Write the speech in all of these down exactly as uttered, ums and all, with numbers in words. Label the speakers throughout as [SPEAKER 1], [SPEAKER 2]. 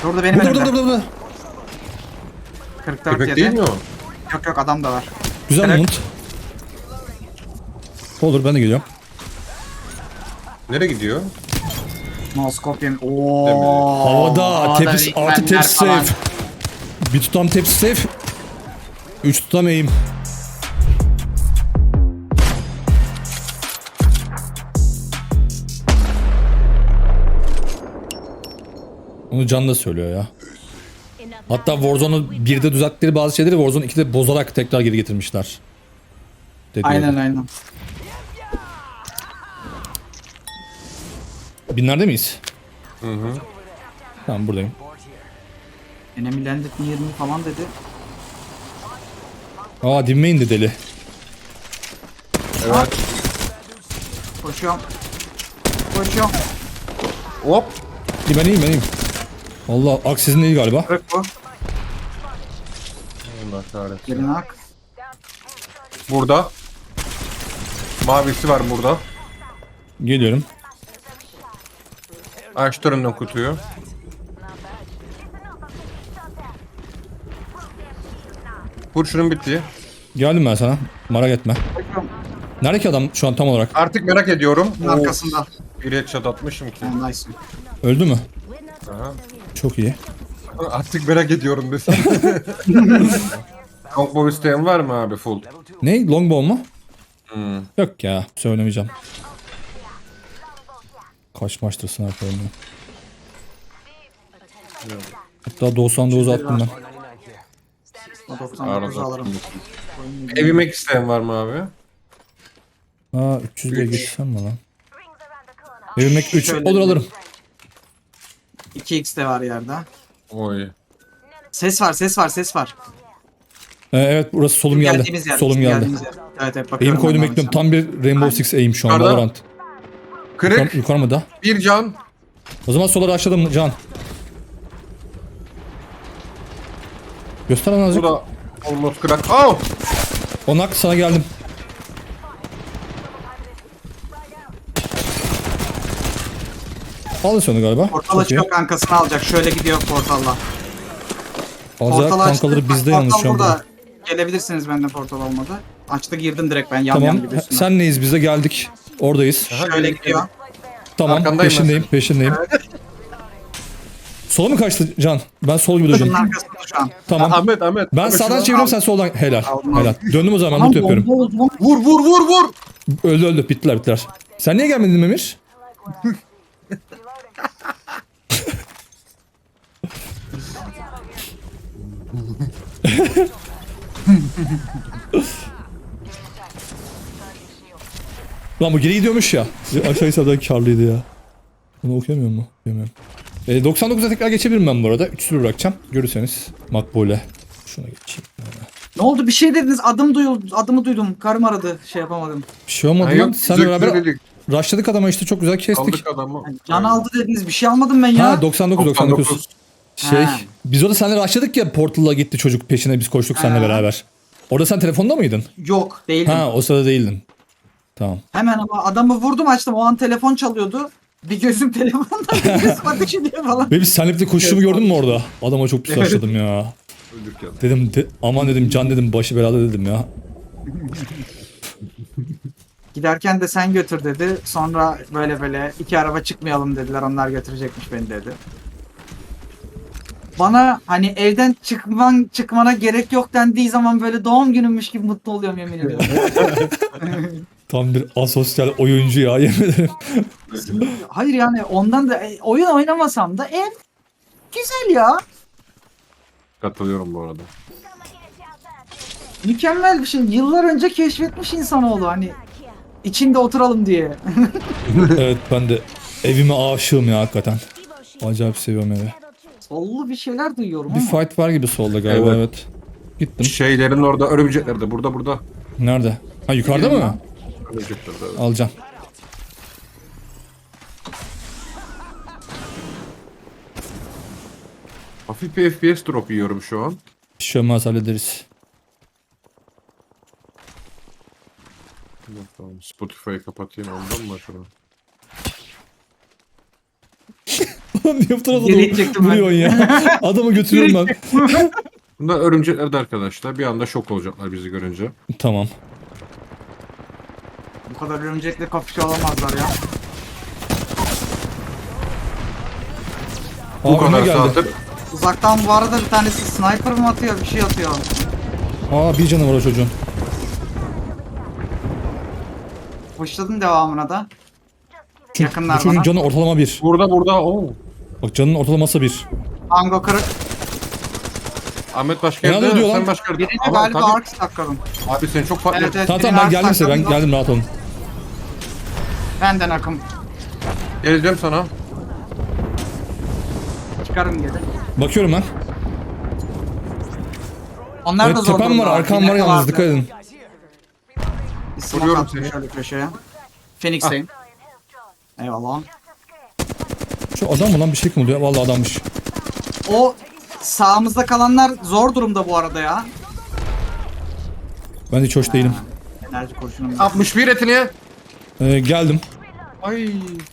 [SPEAKER 1] Orada benim
[SPEAKER 2] Burada
[SPEAKER 1] önümde.
[SPEAKER 2] burada burada.
[SPEAKER 1] kırk dört
[SPEAKER 3] Köpek
[SPEAKER 1] yedi.
[SPEAKER 3] değil mi o?
[SPEAKER 1] Yok yok adam da var.
[SPEAKER 2] Güzel
[SPEAKER 1] Evet.
[SPEAKER 2] mont. Olur ben de geliyorum.
[SPEAKER 3] Nereye gidiyor?
[SPEAKER 1] Moskopyum.
[SPEAKER 3] Değil
[SPEAKER 1] Ooo.
[SPEAKER 2] Havada tepsi artı tepsi safe. Bir tutam tepsi safe. Üç tutam eğim. Onu Can da söylüyor ya. Hatta Warzone'u birde düzelttikleri bazı şeyleri Warzone ikide bozarak tekrar geri getirmişler. Dedi
[SPEAKER 1] Aynen
[SPEAKER 2] öyle.
[SPEAKER 1] aynen.
[SPEAKER 2] Binlerde miyiz?
[SPEAKER 3] Hı hı.
[SPEAKER 2] Tamam buradayım.
[SPEAKER 1] Enemy landed yirmi falan dedi.
[SPEAKER 2] Aa dinme indi deli.
[SPEAKER 3] Evet.
[SPEAKER 1] Koşuyorum. Koşuyorum.
[SPEAKER 3] Hop.
[SPEAKER 2] İyi ben iyiyim ben iyiyim. Valla aksizin değil galiba.
[SPEAKER 1] Kırık bu.
[SPEAKER 3] Allah kahretsin.
[SPEAKER 1] Gelin ak.
[SPEAKER 3] Burada. Mavisi var burada.
[SPEAKER 2] Geliyorum.
[SPEAKER 3] Açtı önünden kutuyu. Kurşunun bitti.
[SPEAKER 2] Geldim ben sana. Merak etme.
[SPEAKER 1] Koşuyorum.
[SPEAKER 2] Nerede ki adam şu an tam olarak?
[SPEAKER 3] Artık merak ediyorum.
[SPEAKER 1] Bunun arkasında.
[SPEAKER 3] Bir headshot atmışım ki.
[SPEAKER 1] Yani nice.
[SPEAKER 2] Öldü mü?
[SPEAKER 3] Aha.
[SPEAKER 2] Çok iyi.
[SPEAKER 3] Artık merak ediyorum desem. Longbow isteyen var mı abi full?
[SPEAKER 2] Ne? Longbow mu?
[SPEAKER 3] Hmm.
[SPEAKER 2] Yok ya. Söylemeyeceğim. Kaç maçtır sniper oynuyor. Hatta doksan dokuz attım ben.
[SPEAKER 1] O doksan dokuz alırım.
[SPEAKER 3] Evime isteyen var mı abi?
[SPEAKER 2] Aa üç yüz diye geçsem mi lan? Evmek üç
[SPEAKER 1] Şöyle
[SPEAKER 2] olur
[SPEAKER 1] bir-
[SPEAKER 2] alırım.
[SPEAKER 1] iki x de var yerde.
[SPEAKER 3] Oy.
[SPEAKER 1] Ses var ses var ses var.
[SPEAKER 2] Ee, evet burası solum
[SPEAKER 1] Geldiğimiz
[SPEAKER 2] geldi.
[SPEAKER 1] yer,
[SPEAKER 2] Solum
[SPEAKER 1] bizim
[SPEAKER 2] geldi.
[SPEAKER 1] geldiğimiz yer. Evet evet
[SPEAKER 2] Eğim
[SPEAKER 1] bakıyorum.
[SPEAKER 2] koydum
[SPEAKER 1] ben
[SPEAKER 2] bekliyorum.
[SPEAKER 1] de
[SPEAKER 2] Tam bir Rainbow Six aim şu an.
[SPEAKER 3] Yukarıda.
[SPEAKER 2] Valorant.
[SPEAKER 3] Kırık.
[SPEAKER 2] Yukarı, yukarı mı da?
[SPEAKER 3] Bir can.
[SPEAKER 2] O zaman sola açladım Can. Göster lan
[SPEAKER 3] Bu
[SPEAKER 2] azıcık.
[SPEAKER 3] da almost kırak. Oh!
[SPEAKER 2] Onak sana geldim. Aldın sonu galiba.
[SPEAKER 1] Portal
[SPEAKER 2] Çok iyi.
[SPEAKER 1] açıyor kankasını alacak. Şöyle gidiyor portalla.
[SPEAKER 2] Alacak
[SPEAKER 1] Portal açtı.
[SPEAKER 2] kankaları bizde
[SPEAKER 1] Portal
[SPEAKER 2] yalnız şu an.
[SPEAKER 1] burada. Gelebilirsiniz benden portal olmadı. Açtı girdim direkt ben yan yan
[SPEAKER 2] Tamam.
[SPEAKER 1] gibi üstüne.
[SPEAKER 2] Sen neyiz? Biz de geldik. Oradayız.
[SPEAKER 1] Şöyle gidiyor.
[SPEAKER 2] Tamam.
[SPEAKER 3] Arkandayım
[SPEAKER 2] Peşindeyim. Peşindeyim. Sola mı kaçtı Can? Ben sol gibi
[SPEAKER 1] Bunun
[SPEAKER 2] döneceğim.
[SPEAKER 1] arkasında şu an.
[SPEAKER 2] Tamam.
[SPEAKER 3] Ahmet Ahmet.
[SPEAKER 2] Ben
[SPEAKER 3] Ahmet,
[SPEAKER 2] sağdan
[SPEAKER 3] şunu
[SPEAKER 2] çeviriyorum
[SPEAKER 3] al.
[SPEAKER 2] sen soldan. Helal.
[SPEAKER 1] Aldım,
[SPEAKER 2] Helal. Döndüm o zaman.
[SPEAKER 1] Aman
[SPEAKER 2] Loot yapıyorum.
[SPEAKER 1] bomba oldu lan.
[SPEAKER 3] Vur vur vur vur.
[SPEAKER 2] Öldü öldü. Bittiler bittiler. Sen niye gelmedin Memir? Lan bu geri gidiyormuş ya. Aşağı sağdan karlıydı ya. Bunu okuyamıyor mu? Okuyamıyorum. E, doksan dokuza tekrar geçebilirim ben bu arada. üç sıfır bırakacağım. Görürseniz. Makbule. Şuna geçeyim.
[SPEAKER 1] Ne oldu bir şey dediniz adım duyuldu adımı duydum karım aradı şey yapamadım.
[SPEAKER 2] Bir şey olmadı
[SPEAKER 3] Ha,
[SPEAKER 2] lan.
[SPEAKER 3] yok,
[SPEAKER 2] Senle
[SPEAKER 3] zık
[SPEAKER 2] beraber
[SPEAKER 3] dedik.
[SPEAKER 2] rushladık adama işte çok güzel kestik.
[SPEAKER 3] Aldık adamı.
[SPEAKER 1] Can aldı dediniz bir şey almadım ben ya.
[SPEAKER 2] Ha doksan dokuz doksan dokuz.
[SPEAKER 3] doksan dokuz.
[SPEAKER 2] Şey
[SPEAKER 1] Ha.
[SPEAKER 2] biz orada seninle rushladık ya Portal'a gitti çocuk peşine biz koştuk seninle
[SPEAKER 1] Ha.
[SPEAKER 2] beraber. Orada sen telefonda mıydın?
[SPEAKER 1] Yok değildim.
[SPEAKER 2] Ha o sırada değildin. Tamam.
[SPEAKER 1] Hemen ama adamı vurdum açtım o an telefon çalıyordu. Bir gözüm telefonda bir gözüm ateş ediyor falan.
[SPEAKER 2] Ve biz seninle birlikte koştuğumu gördün mü orada? Adama çok pis
[SPEAKER 1] Evet.
[SPEAKER 2] rushladım ya.
[SPEAKER 3] Öldük ya.
[SPEAKER 2] Dedim de, aman dedim Can dedim başı belada dedim ya.
[SPEAKER 1] Giderken de sen götür dedi. Sonra böyle böyle iki araba çıkmayalım dediler. Onlar götürecekmiş beni dedi. Bana hani evden çıkman çıkmana gerek yok dendiği zaman böyle doğum günümmüş gibi mutlu oluyorum yemin ediyorum.
[SPEAKER 2] Tam bir asosyal oyuncu ya yemin ederim.
[SPEAKER 1] Hayır yani ondan da e, oyun oynamasam da ev güzel ya.
[SPEAKER 3] Katılıyorum bu arada.
[SPEAKER 1] Mükemmel bir şey. Yıllar önce keşfetmiş insanoğlu hani içinde oturalım diye.
[SPEAKER 2] Evet ben de evime aşığım ya hakikaten. Acayip seviyorum evi.
[SPEAKER 1] Sollu bir şeyler duyuyorum
[SPEAKER 2] Bir
[SPEAKER 1] ama.
[SPEAKER 2] fight var gibi solda galiba evet.
[SPEAKER 3] Evet.
[SPEAKER 2] Gittim.
[SPEAKER 3] Şeylerin orada örümceklerde. Burada burada.
[SPEAKER 2] Nerede? Ha yukarıda mı?
[SPEAKER 3] Örümceklerde. Evet.
[SPEAKER 2] Alacağım.
[SPEAKER 3] Hafif bir F P S drop yiyorum şu an.
[SPEAKER 2] Bir şey olmaz hallederiz.
[SPEAKER 3] Tamam, Spotify'ı kapatayım ondan mı acaba?
[SPEAKER 2] Niye bu tarafa
[SPEAKER 1] Geri
[SPEAKER 2] doğru
[SPEAKER 1] itecektim ben.
[SPEAKER 2] vuruyorsun ya? Adamı götürüyorum ben.
[SPEAKER 3] Bunlar örümcekler de arkadaşlar. Bir anda şok olacaklar bizi görünce.
[SPEAKER 2] Tamam.
[SPEAKER 1] Bu kadar örümcekle kapışıyor olamazlar ya.
[SPEAKER 3] Bu
[SPEAKER 2] Aa, önüme
[SPEAKER 3] kadar
[SPEAKER 2] geldi.
[SPEAKER 3] saattir.
[SPEAKER 1] Uzaktan bu arada bir tanesi sniper mı atıyor, bir şey atıyor.
[SPEAKER 2] Aa bir canı var o çocuğun.
[SPEAKER 1] Pushladım devamına da.
[SPEAKER 2] Çünkü
[SPEAKER 1] Yakınlar
[SPEAKER 2] bu çocuğun
[SPEAKER 1] bana.
[SPEAKER 2] canı ortalama bir.
[SPEAKER 3] Burada burada. Oo.
[SPEAKER 2] Bak canın ortalaması bir.
[SPEAKER 1] Tango kırık.
[SPEAKER 3] Ahmet başka
[SPEAKER 2] Nerede
[SPEAKER 3] yerde.
[SPEAKER 2] diyor lan?
[SPEAKER 3] Sen başka yerde.
[SPEAKER 1] Birini
[SPEAKER 3] Ama
[SPEAKER 1] galiba
[SPEAKER 3] tabii-
[SPEAKER 1] ark takladım.
[SPEAKER 3] Abi sen çok farklı.
[SPEAKER 1] Evet evet.
[SPEAKER 2] Tamam
[SPEAKER 1] birini
[SPEAKER 2] tamam ben
[SPEAKER 1] ark
[SPEAKER 2] geldim size ben
[SPEAKER 1] takladım da
[SPEAKER 2] geldim rahat olun.
[SPEAKER 1] Benden akım.
[SPEAKER 3] Geleceğim sana.
[SPEAKER 1] Çıkarım geri.
[SPEAKER 2] Bakıyorum ben.
[SPEAKER 1] Onlar da
[SPEAKER 2] Evet
[SPEAKER 1] zor
[SPEAKER 2] tepem var
[SPEAKER 1] durumda.
[SPEAKER 2] arkam var
[SPEAKER 1] Yine
[SPEAKER 2] yalnız
[SPEAKER 1] vardı.
[SPEAKER 2] dikkat edin.
[SPEAKER 1] Bir smoke
[SPEAKER 3] Vuruyorum
[SPEAKER 1] attım
[SPEAKER 3] seni.
[SPEAKER 1] şöyle köşeye. Phoenix'teyim. Eyvallah.
[SPEAKER 2] Şu adam mı lan bir şey mi oluyor? Vallahi adammış.
[SPEAKER 1] O sağımızda kalanlar zor durumda bu arada ya.
[SPEAKER 2] Ben de hiç hoş değilim.
[SPEAKER 1] Enerji kurşunum.
[SPEAKER 3] altmış bir etini.
[SPEAKER 2] Ee, geldim.
[SPEAKER 3] Ay.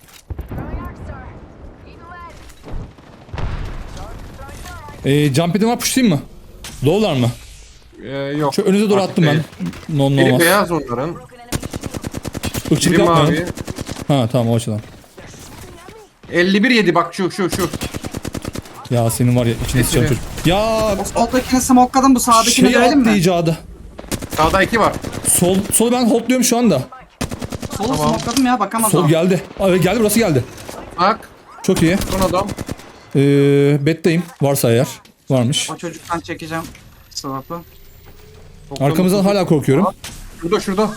[SPEAKER 2] Ee, jump edin var pushlayayım mı? Low'lar mı?
[SPEAKER 3] Ee, yok.
[SPEAKER 2] Şu önünüze doğru
[SPEAKER 3] Artık
[SPEAKER 2] attım ben.
[SPEAKER 3] değil.
[SPEAKER 2] Non
[SPEAKER 3] Biri
[SPEAKER 2] olmaz.
[SPEAKER 3] beyaz onların.
[SPEAKER 2] Irkçılık
[SPEAKER 3] Biri
[SPEAKER 2] yapmayalım.
[SPEAKER 3] mavi.
[SPEAKER 2] Ha tamam o açıdan.
[SPEAKER 3] elli bir yedi bak şu şu şu.
[SPEAKER 2] Ya senin var ya içine sıçan çocuk. Ya
[SPEAKER 1] O soldakini smokladım, bu sağdakini
[SPEAKER 2] şey
[SPEAKER 1] dövelim
[SPEAKER 2] attı
[SPEAKER 1] mi?
[SPEAKER 2] icadı.
[SPEAKER 3] Sağda iki var.
[SPEAKER 2] Sol, solu ben holdluyorum şu anda.
[SPEAKER 1] Solu
[SPEAKER 3] Tamam.
[SPEAKER 1] smokladım ya, bakamaz
[SPEAKER 2] Sol
[SPEAKER 1] o.
[SPEAKER 2] geldi. Aa, geldi burası geldi.
[SPEAKER 3] Bak.
[SPEAKER 2] Çok iyi.
[SPEAKER 3] Son adam.
[SPEAKER 2] Ee, betteyim. Varsa eğer. Varmış.
[SPEAKER 1] O çocuktan çekeceğim swap'ı.
[SPEAKER 2] Arkamızdan hala korkuyorum.
[SPEAKER 3] Şurada şurada.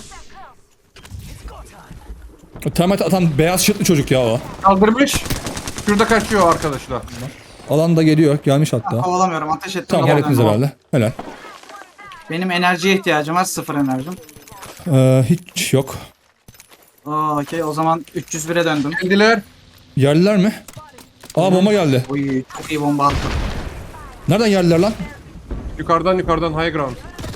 [SPEAKER 2] Termite atan beyaz şırtlı çocuk ya o.
[SPEAKER 3] Kaldırmış. Şurada kaçıyor arkadaşlar.
[SPEAKER 2] Alan da geliyor. Gelmiş hatta.
[SPEAKER 1] Kovalamıyorum, ateş ettim.
[SPEAKER 2] Tamam
[SPEAKER 1] kovalamıyorum.
[SPEAKER 2] hallettiniz herhalde. Helal.
[SPEAKER 1] Benim enerjiye ihtiyacım var, sıfır enerjim.
[SPEAKER 2] Ee, hiç yok.
[SPEAKER 1] Oo, okey, o zaman üç yüz bire döndüm.
[SPEAKER 3] Geldiler.
[SPEAKER 2] Yerliler mi? Aa bomba geldi.
[SPEAKER 1] Uy, çok iyi bomba attım.
[SPEAKER 2] Nereden yerliler lan?
[SPEAKER 3] Yukarıdan yukarıdan high ground.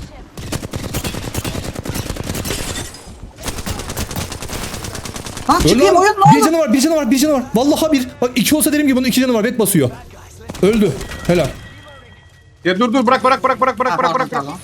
[SPEAKER 1] Lan
[SPEAKER 2] Öldü
[SPEAKER 1] çıkayım
[SPEAKER 2] lan.
[SPEAKER 1] oyun,
[SPEAKER 2] Bir
[SPEAKER 1] ne oldu?
[SPEAKER 2] canı var, bir canı var, bir canı var. Vallahi bir. Bak iki olsa derim ki bunun iki canı var. Bet basıyor. Öldü. Helal.
[SPEAKER 3] Ya dur dur bırak bırak bırak bırak bırak
[SPEAKER 1] Ha,
[SPEAKER 3] bırak
[SPEAKER 1] pardon,
[SPEAKER 3] bırak.
[SPEAKER 1] pardon.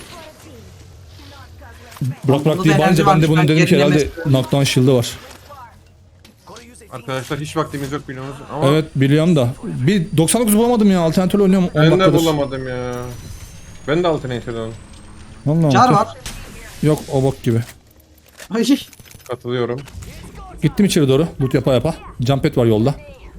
[SPEAKER 2] Bırak bırak
[SPEAKER 1] Bunda
[SPEAKER 2] diye
[SPEAKER 1] da
[SPEAKER 2] bağırınca
[SPEAKER 1] enerji
[SPEAKER 2] ben de
[SPEAKER 1] varmış,
[SPEAKER 2] bunun
[SPEAKER 1] ben
[SPEAKER 2] dedim ki herhalde
[SPEAKER 1] gerilemesi-
[SPEAKER 2] knockdown shield'ı var.
[SPEAKER 3] Arkadaşlar hiç vaktimiz yok biliyorsunuz ama
[SPEAKER 2] Evet biliyorum da. Bir doksan dokuz bulamadım ya. Alternatörle oynuyorum on
[SPEAKER 3] ben de
[SPEAKER 2] dakikadır.
[SPEAKER 3] bulamadım ya. Ben de alternatifden
[SPEAKER 2] Vallahi
[SPEAKER 1] Car
[SPEAKER 2] tüh.
[SPEAKER 1] var.
[SPEAKER 2] Yok o bok gibi.
[SPEAKER 1] Ay.
[SPEAKER 3] katılıyorum.
[SPEAKER 2] Gittim içeri doğru. Loot yapa yapa. Jump pad var yolda.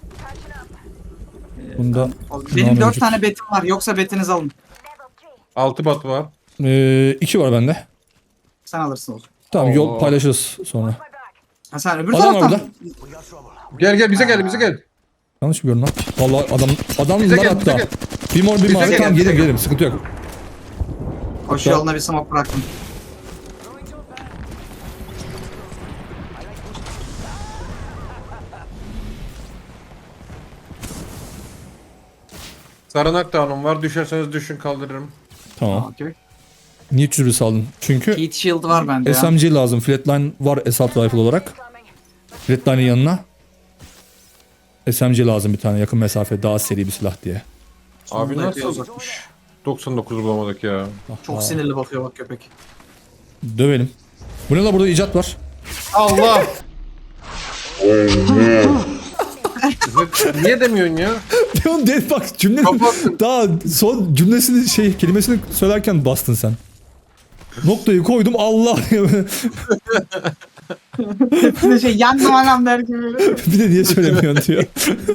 [SPEAKER 2] Bunda
[SPEAKER 1] Benim
[SPEAKER 2] Devam
[SPEAKER 1] dört
[SPEAKER 2] mevcut.
[SPEAKER 1] tane betim var, yoksa betinizi alın.
[SPEAKER 3] altı bat var.
[SPEAKER 2] Ee, iki var bende.
[SPEAKER 1] Sen alırsın o zaman.
[SPEAKER 2] Tamam yol
[SPEAKER 3] Oo.
[SPEAKER 2] paylaşırız sonra.
[SPEAKER 1] Ha, sen öbür
[SPEAKER 2] Adam var
[SPEAKER 1] taraftan.
[SPEAKER 3] Gel gel bize gel bize gel.
[SPEAKER 2] Yanlış mı gördüm lan? Vallahi adam adamlar
[SPEAKER 3] Bize gel, bize
[SPEAKER 2] hatta.
[SPEAKER 3] gel.
[SPEAKER 2] Bir mor bir
[SPEAKER 3] Bize
[SPEAKER 2] mavi
[SPEAKER 3] gel,
[SPEAKER 2] tamam
[SPEAKER 3] bize
[SPEAKER 2] gelirim
[SPEAKER 3] gel.
[SPEAKER 2] gelirim sıkıntı yok.
[SPEAKER 1] Koşu yoluna bir smoke bıraktım.
[SPEAKER 3] Sarınak dağınım var. Düşerseniz düşün kaldırırım.
[SPEAKER 2] Tamam.
[SPEAKER 1] Okey.
[SPEAKER 2] Niye üç yüz bir saldın? Çünkü
[SPEAKER 1] Heat shield var bende ya.
[SPEAKER 2] S M G lazım. Flatline var assault rifle olarak. Flatline'in yanına S M G lazım bir tane yakın mesafe daha seri bir silah diye.
[SPEAKER 3] Abi
[SPEAKER 1] Sonunda epey
[SPEAKER 3] nasıl
[SPEAKER 1] uzakmış.
[SPEAKER 3] doksan dokuz bulamadık ya.
[SPEAKER 1] Çok sinirli bakıyor bak köpek.
[SPEAKER 2] Dövelim. Bu ne la burada icat var.
[SPEAKER 3] Allah! Niye demiyorsun ya?
[SPEAKER 2] Leon dead bak cümlenin
[SPEAKER 3] Kapattın.
[SPEAKER 2] daha son cümlesini şey kelimesini söylerken bastın sen. Noktayı koydum Allah
[SPEAKER 1] Bir de şey yandım anam der gibi.
[SPEAKER 2] bir de niye söylemiyorsun diyor.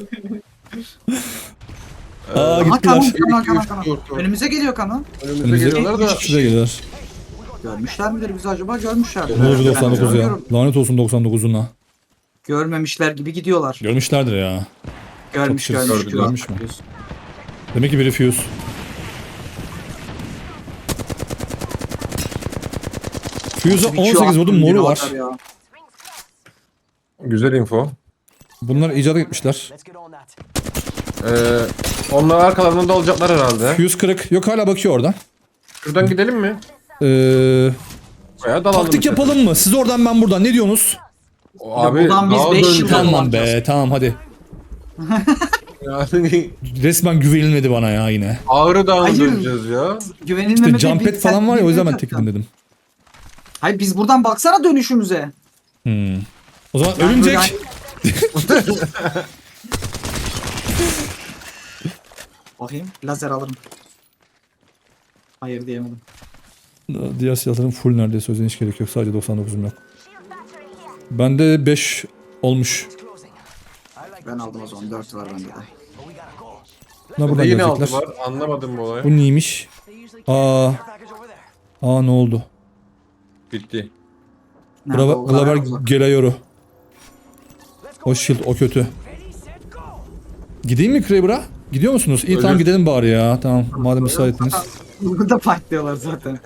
[SPEAKER 2] Aa
[SPEAKER 1] Aha
[SPEAKER 2] gittiler.
[SPEAKER 1] kanın
[SPEAKER 3] Bir,
[SPEAKER 1] kanın
[SPEAKER 3] iki,
[SPEAKER 1] kanın
[SPEAKER 3] üç,
[SPEAKER 1] kanın.
[SPEAKER 3] dört, dört.
[SPEAKER 1] Önümüze geliyor kanın.
[SPEAKER 3] Önümüze
[SPEAKER 2] Önümüze
[SPEAKER 3] geliyorlar da
[SPEAKER 2] şuraya geliyorlar.
[SPEAKER 1] Görmüşler midir bizi acaba? Görmüşlerdir.
[SPEAKER 2] Olur
[SPEAKER 1] Ben
[SPEAKER 2] doksan dokuz ya.
[SPEAKER 1] görüyorum.
[SPEAKER 2] Lanet olsun doksan dokuzuna.
[SPEAKER 1] Görmemişler gibi gidiyorlar.
[SPEAKER 2] Görmüşlerdir ya.
[SPEAKER 1] Görmüş
[SPEAKER 2] Çok
[SPEAKER 1] görmüş.
[SPEAKER 3] gördüler.
[SPEAKER 2] Görmüş mü? Demek ki biri fuse. Fuse'a on sekiz vurdum moru var.
[SPEAKER 3] güzel info.
[SPEAKER 2] Bunlar icat etmişler.
[SPEAKER 3] Ee, onlar arkalarında olacaklar herhalde.
[SPEAKER 2] Fuse kırık. Yok hala bakıyor oradan.
[SPEAKER 3] Şuradan gidelim mi?
[SPEAKER 2] Ee,
[SPEAKER 3] Bayağı dalalım.
[SPEAKER 2] taktik
[SPEAKER 3] işte.
[SPEAKER 2] yapalım mı? Siz oradan ben buradan. Ne diyorsunuz?
[SPEAKER 3] O Abi
[SPEAKER 1] Buradan biz
[SPEAKER 3] daha
[SPEAKER 1] beş
[SPEAKER 3] döneceğiz.
[SPEAKER 1] yıl-
[SPEAKER 2] Tamam
[SPEAKER 1] olacağız.
[SPEAKER 2] be tamam hadi.
[SPEAKER 3] Yani
[SPEAKER 2] Resmen güvenilmedi bana ya yine.
[SPEAKER 3] Ağrı Dağı'na
[SPEAKER 1] Hayır.
[SPEAKER 3] döneceğiz ya.
[SPEAKER 1] Güvenilmeme
[SPEAKER 2] İşte jump
[SPEAKER 1] bir-
[SPEAKER 2] pad falan var ya o yüzden ben
[SPEAKER 1] sen-
[SPEAKER 2] tekledim dedim.
[SPEAKER 1] Hayır biz buradan baksana dönüşümüze.
[SPEAKER 2] Hmm. O zaman
[SPEAKER 1] Yani
[SPEAKER 2] örümcek.
[SPEAKER 1] böyle- Bakayım lazer alırım. Hayır diyemedim.
[SPEAKER 2] Diğer silahların full neredeyse o yüzden hiç gerek yok. Sadece doksan dokuzum yok. Bende beş olmuş.
[SPEAKER 1] Ben aldım o zaman dört var bende de.
[SPEAKER 2] Ne buradan
[SPEAKER 3] Yine altı
[SPEAKER 2] gelecekler.
[SPEAKER 3] var. Anlamadım bu olayı.
[SPEAKER 2] Bu neymiş? Aa. Aa ne oldu?
[SPEAKER 3] Bitti.
[SPEAKER 1] Nerede
[SPEAKER 2] Glava-
[SPEAKER 1] o kadar
[SPEAKER 2] Glaver
[SPEAKER 1] uzak?
[SPEAKER 2] Gelayoru. O shield o kötü. Gideyim mi Kraber'a? Gidiyor musunuz? İyi tamam
[SPEAKER 3] Ölür.
[SPEAKER 2] gidelim bari ya. Tamam madem müsaitiniz.
[SPEAKER 1] Burada fightlıyorlar zaten.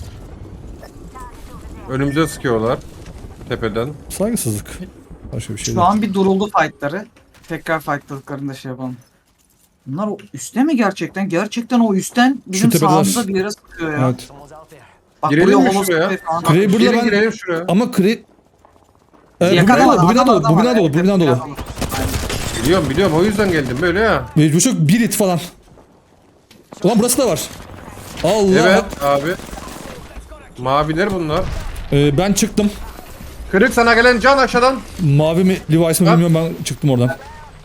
[SPEAKER 3] Önümüze sıkıyorlar. Tepeden.
[SPEAKER 2] Saygısızlık. Başka bir şey
[SPEAKER 1] Şu
[SPEAKER 2] değil.
[SPEAKER 1] an bir duruldu fightları. Tekrar fightladıklarında şey yapalım. Bunlar o üstte mi gerçekten? Gerçekten o üstten bizim
[SPEAKER 2] tepedeler.
[SPEAKER 1] sağımıza bir yere sıkıyor ya.
[SPEAKER 2] Evet.
[SPEAKER 1] Bak
[SPEAKER 3] Girelim mi
[SPEAKER 1] holo
[SPEAKER 3] şuraya?
[SPEAKER 1] sıkıyor falan.
[SPEAKER 2] Kraber'da
[SPEAKER 3] Gelin
[SPEAKER 2] ben...
[SPEAKER 3] girelim şuraya.
[SPEAKER 2] Ama Kre... Ee, bu bina
[SPEAKER 1] Yakaladı,
[SPEAKER 2] dolu, bu bina
[SPEAKER 1] adam-
[SPEAKER 2] dolu,
[SPEAKER 1] adam
[SPEAKER 2] bu
[SPEAKER 1] var,
[SPEAKER 2] bina dolu,
[SPEAKER 1] evet,
[SPEAKER 2] bu bina dolu.
[SPEAKER 1] Aynen.
[SPEAKER 3] Biliyorum biliyorum o yüzden geldim böyle ya.
[SPEAKER 2] Ve bu çok bir it falan. Ulan burası da var. Allah.
[SPEAKER 3] Evet abi. Maviler bunlar.
[SPEAKER 2] Ee, ben çıktım.
[SPEAKER 3] Kırık sana gelen can aşağıdan.
[SPEAKER 2] Mavi mi Levi's mi
[SPEAKER 3] Ha?
[SPEAKER 2] bilmiyorum ben çıktım oradan.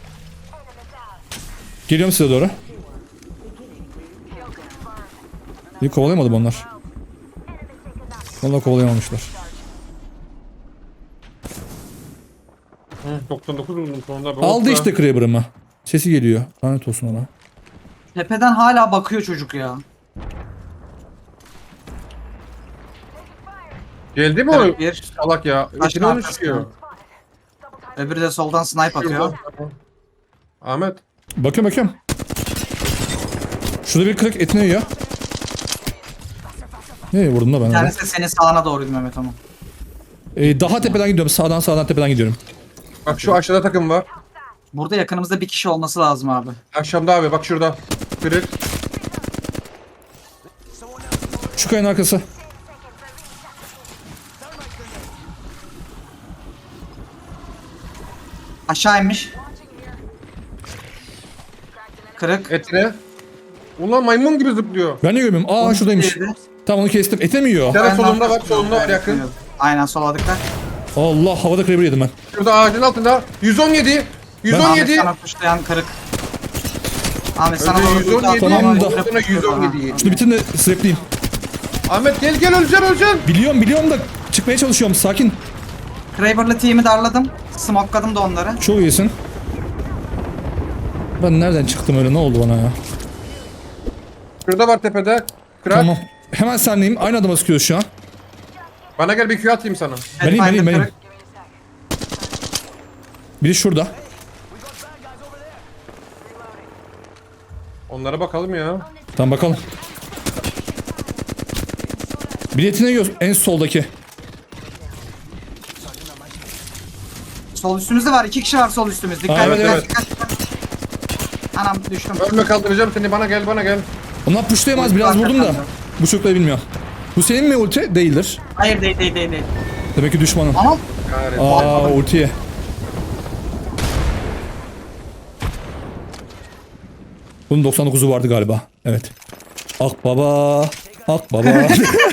[SPEAKER 2] Geliyorum size doğru. İyi kovalayamadım onlar. Vallahi kovalayamamışlar.
[SPEAKER 3] Hı, doksan dokuz buldum sonunda. be.
[SPEAKER 2] Aldı
[SPEAKER 3] Hoppa.
[SPEAKER 2] işte Kraber'ımı. Sesi geliyor. Lanet olsun ona.
[SPEAKER 1] Tepeden hala bakıyor çocuk ya.
[SPEAKER 3] Geldi mi o
[SPEAKER 1] Evet, bir.
[SPEAKER 3] salak ya?
[SPEAKER 1] Taşın
[SPEAKER 3] İçine onu
[SPEAKER 1] arkasına.
[SPEAKER 3] çıkıyor.
[SPEAKER 1] Öbürü de soldan snipe atıyor.
[SPEAKER 3] Şurada. Ahmet.
[SPEAKER 2] Bakıyorum bakıyorum. Şurada bir kırık etine yiyor. Nereye vurdum da ben
[SPEAKER 1] Bir
[SPEAKER 2] orada?
[SPEAKER 1] tanesi de senin sağına doğruydu Mehmet ama.
[SPEAKER 2] Ee, daha tepeden gidiyorum. Sağdan sağdan tepeden gidiyorum.
[SPEAKER 3] Bak şu aşağıda takım var.
[SPEAKER 1] Burada yakınımızda bir kişi olması lazım abi.
[SPEAKER 3] Akşamda abi bak şurada. Kırık.
[SPEAKER 2] Şu kayanın arkası.
[SPEAKER 1] Aşağı inmiş. Kırık.
[SPEAKER 3] Etine. Ulan maymun gibi zıplıyor.
[SPEAKER 2] Ben ne görmüyorum? Aa şuradaymış.
[SPEAKER 1] Diğeri de-
[SPEAKER 2] Tamam onu kestim. Ete mi yiyor?
[SPEAKER 3] Bir tane
[SPEAKER 1] Ben
[SPEAKER 3] solunda
[SPEAKER 1] de-
[SPEAKER 3] var solunda var yakın.
[SPEAKER 1] Aynen soladıklar.
[SPEAKER 2] Allah havada Kraber yedim ben.
[SPEAKER 3] Şurada ağacın altında. yüz on yedi. yüz on
[SPEAKER 1] Ahmet
[SPEAKER 3] yedi.
[SPEAKER 1] sana kuşlayan kırık. Ahmet sana
[SPEAKER 3] Önce
[SPEAKER 1] doğru
[SPEAKER 3] yüz on yedi.
[SPEAKER 1] ulti
[SPEAKER 2] Tamam
[SPEAKER 1] atıyor,
[SPEAKER 2] da-
[SPEAKER 1] kırık
[SPEAKER 3] Sonra yüz on
[SPEAKER 1] tutuyor
[SPEAKER 3] yedi.
[SPEAKER 2] Şunu bitirin de srepleyeyim.
[SPEAKER 3] Ahmet gel gel öleceksin öleceksin.
[SPEAKER 2] Biliyorum biliyorum da çıkmaya çalışıyorum. Sakin.
[SPEAKER 1] bana. Kraber'lı team'i darladım. Smokeladım da onları.
[SPEAKER 2] Çok iyisin. Ben nereden çıktım öyle? Ne oldu bana ya?
[SPEAKER 3] Şurada var tepede. Kırak.
[SPEAKER 2] Tamam. Hemen senleyim. Aynı adama sıkıyoruz şu an.
[SPEAKER 3] Bana gel bir Q atayım sana.
[SPEAKER 2] Benim benim
[SPEAKER 1] Pathfinder
[SPEAKER 2] benim. Biri şurada.
[SPEAKER 3] Onlara bakalım ya.
[SPEAKER 2] Tamam bakalım. Biletine göz en soldaki.
[SPEAKER 1] Sol üstümüzde var. iki kişi var sol üstümüzde. Dikkat
[SPEAKER 2] Aa,
[SPEAKER 1] dikkat,
[SPEAKER 2] evet,
[SPEAKER 1] dikkat dikkat. Anam düştüm.
[SPEAKER 3] Ölme kaldıracağım seni bana gel bana gel.
[SPEAKER 2] Onlar pushlayamaz biraz vurdum da. Bu çocukları bilmiyor. Bu senin mi ulti? Değildir.
[SPEAKER 1] Hayır değil değil değil. değil.
[SPEAKER 2] Demek ki düşmanım.
[SPEAKER 1] Anam.
[SPEAKER 3] Kahretsin.
[SPEAKER 2] Aa ultiye. Bunun doksan dokuzu vardı galiba. Evet. Ak baba. Ak baba.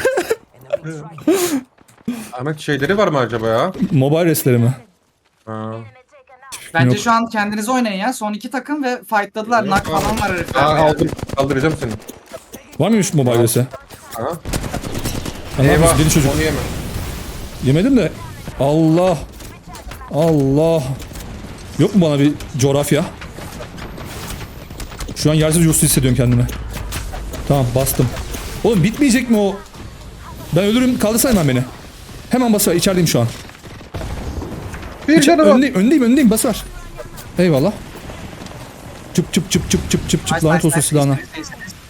[SPEAKER 3] Ahmet şeyleri var mı acaba ya?
[SPEAKER 2] Mobile restleri mi?
[SPEAKER 3] Ha.
[SPEAKER 1] Bence
[SPEAKER 2] Yok.
[SPEAKER 1] şu an kendiniz oynayın ya. Son iki takım ve fightladılar. Nak falan var
[SPEAKER 3] Aa,
[SPEAKER 1] herifler.
[SPEAKER 3] aldım. Kaldıracağım seni.
[SPEAKER 2] Var mıymış mobile resti?
[SPEAKER 3] Ha.
[SPEAKER 2] Ben ne
[SPEAKER 3] Eyvah.
[SPEAKER 2] yapıyorsun? Deli çocuk.
[SPEAKER 3] Onu yeme.
[SPEAKER 2] Yemedim de. Allah. Allah. Yok mu bana bir coğrafya? Şu an yersiz yursuz hissediyorum kendimi. Tamam bastım. Oğlum bitmeyecek mi o? Ben ölürüm. Kaldırsana hemen beni. Hemen basar. İçerideyim şu an.
[SPEAKER 3] Bir
[SPEAKER 2] İçer-
[SPEAKER 3] canı var.
[SPEAKER 2] öndeyim, öndeyim, öndeyim. Basar. Eyvallah. Çıp çıp çıp çıp çıp çıp çıp.
[SPEAKER 1] Nice,
[SPEAKER 2] Lanet
[SPEAKER 1] nice,
[SPEAKER 2] olsun
[SPEAKER 1] nice,
[SPEAKER 2] silahına.
[SPEAKER 1] nice, nice,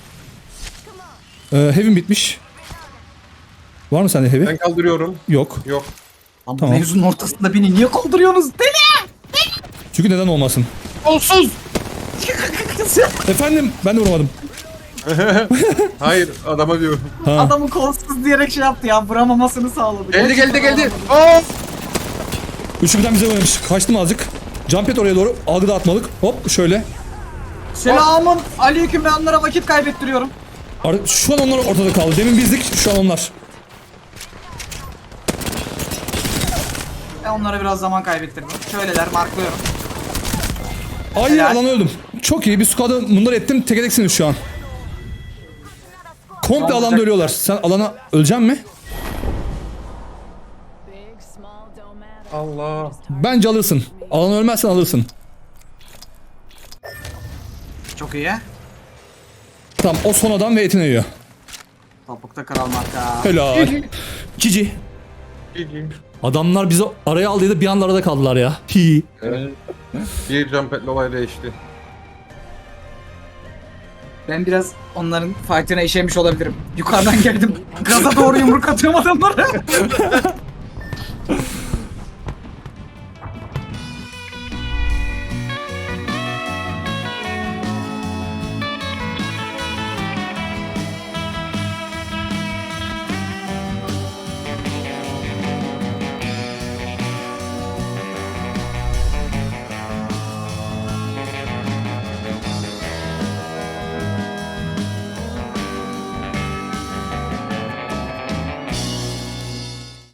[SPEAKER 1] nice.
[SPEAKER 2] Ee, heavy'm bitmiş. Var mı sende heavy?
[SPEAKER 3] Ben kaldırıyorum.
[SPEAKER 2] Yok.
[SPEAKER 3] Yok.
[SPEAKER 1] Lan bu
[SPEAKER 2] Tamam.
[SPEAKER 1] mevzunun ortasında beni niye kaldırıyorsunuz? Deli!
[SPEAKER 2] Çünkü neden olmasın?
[SPEAKER 3] Olsuz.
[SPEAKER 2] Efendim ben de vuramadım.
[SPEAKER 3] Hayır adama diyorum.
[SPEAKER 2] Ha.
[SPEAKER 1] Adamı kolsuz diyerek şey yaptı ya. Vuramamasını sağladı.
[SPEAKER 3] Geldi geldi geldi. Aa!
[SPEAKER 2] Üçü birden bize oynamış. Kaçtım azıcık. Jump et oraya doğru. Algı dağıtmalık. Hop şöyle.
[SPEAKER 1] Selamun aleyküm, ben onlara vakit kaybettiriyorum.
[SPEAKER 2] Ar- Şu an onlar ortada kaldı. Demin bizdik, şu an onlar.
[SPEAKER 1] Ben onlara biraz zaman kaybettirdim. Şöyleler, marklıyorum.
[SPEAKER 2] Ay
[SPEAKER 1] Helal.
[SPEAKER 2] alan öldüm. Çok iyi bir squad'ı bunları ettim. Tek edeksiniz şu an. Komple
[SPEAKER 1] Olacak.
[SPEAKER 2] alanda ölüyorlar. Sen alana öleceksin mi?
[SPEAKER 4] Big, small, don't matter.
[SPEAKER 3] Allah.
[SPEAKER 2] Bence alırsın. Alan ölmezsen alırsın.
[SPEAKER 1] Çok iyi.
[SPEAKER 2] Tamam o son adam ve etini yiyor.
[SPEAKER 1] Topukta kral marka.
[SPEAKER 2] Helal. Cici. Adamlar bizi araya aldıydı, bir anda arada kaldılar ya. Hi.
[SPEAKER 3] Evet. Bir jumpetle olay değişti.
[SPEAKER 1] Ben biraz onların fight'ine işemiş olabilirim. Yukarıdan geldim. Gaza doğru yumruk atıyorum adamlara.